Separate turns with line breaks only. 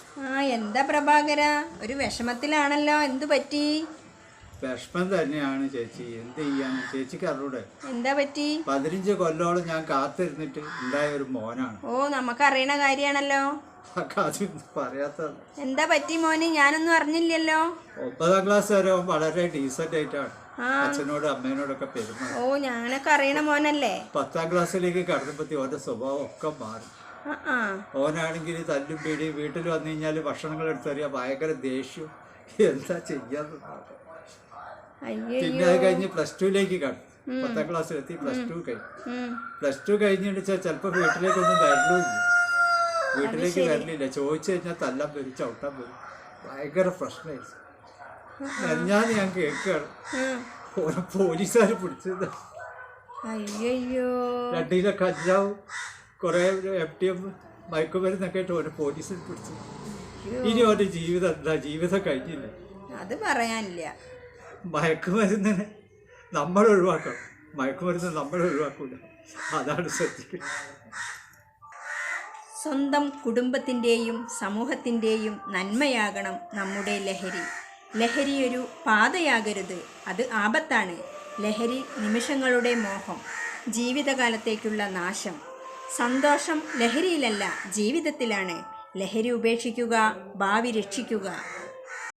എന്താ പ്രഭാകര, ഒരു വിഷമത്തിലാണല്ലോ, എന്തു പറ്റി?
വിഷമം തന്നെയാണ് ചേച്ചി. എന്ത് ചെയ്യാൻ ചേച്ചിക്ക് അറിയൂടെ?
എന്താ പറ്റി?
15 കൊല്ലോളം ഞാൻ കാത്തിരുന്നിട്ട് ഉണ്ടായ ഒരു മോനാണ്.
നമുക്കറിയണ കാര്യാണല്ലോ.
പറയാത്ത
എന്താ പറ്റി മോന്? ഞാനൊന്നും അറിഞ്ഞില്ലല്ലോ.
9ാം ക്ലാസ് വരെ വളരെ ഡീസന്റ് ആയിട്ടാണ് അച്ഛനോടും അമ്മേനോടൊക്കെ പെരുമാറും.
ഞാനൊക്കെ അറിയണ മോനല്ലേ.
10ാം ക്ലാസ്സിലേക്ക് കടന്നപ്പത്തി ഓന്റെ സ്വഭാവം ഒക്കെ മാറി. ഓനാണെങ്കിൽ തല്ലും പേടി, വീട്ടിൽ വന്നു കഴിഞ്ഞാൽ ഭക്ഷണങ്ങൾ എടുത്തറിയാം, ഭയങ്കര ദേഷ്യം. എന്താ ചെയ്യാന്ന്. പിന്നെ അത് കഴിഞ്ഞ് +2ലേക്ക് കടന്നു. 10ാം ക്ലാസ്സിലെത്തി +2 കഴിഞ്ഞിട്ട് ചിലപ്പോൾ വീട്ടിലേക്കൊന്നും വരലുമില്ല. വീട്ടിലേക്ക് വരലില്ല. ചോദിച്ചു കഴിഞ്ഞാൽ തല്ലാൻ വരും, ചവിട്ടാൻ വരും. ഭയങ്കര പ്രശ്നമായി. ഞാൻ കേൾക്കുകയാണ് ഓരോ പോലീസുകാർ പിടിച്ചത്. 2 കിലോ കഞ്ചാവും കുറെ FTM മയക്കുമരുന്നൊക്കെ ആയിട്ട് ഓരോ പോലീസിൽ പിടിച്ചു. ഇനി ഓരോ ജീവിതം എന്താ? ജീവിതം കഴിഞ്ഞില്ല.
അത് പറയാനില്ല.
മയക്കുമരുന്നിനെ നമ്മൾ ഒഴിവാക്കണം, മയക്കുമരുന്ന് നമ്മൾ ഒഴിവാക്കൂല. അതാണ് ശ്രദ്ധിക്കുന്നത്.
സ്വന്തം കുടുംബത്തിൻ്റെയും സമൂഹത്തിൻ്റെയും നന്മയാകണം നമ്മുടെ ലഹരി. ലഹരി ഒരു പാതയാകരുത്, അത് ആപത്താണ്. ലഹരി നിമിഷങ്ങളുടെ മോഹം, ജീവിതകാലത്തേക്കുള്ള നാശം. സന്തോഷം ലഹരിയിലല്ല, ജീവിതത്തിലാണ്. ലഹരി ഉപേക്ഷിക്കുക, ഭാവി രക്ഷിക്കുക.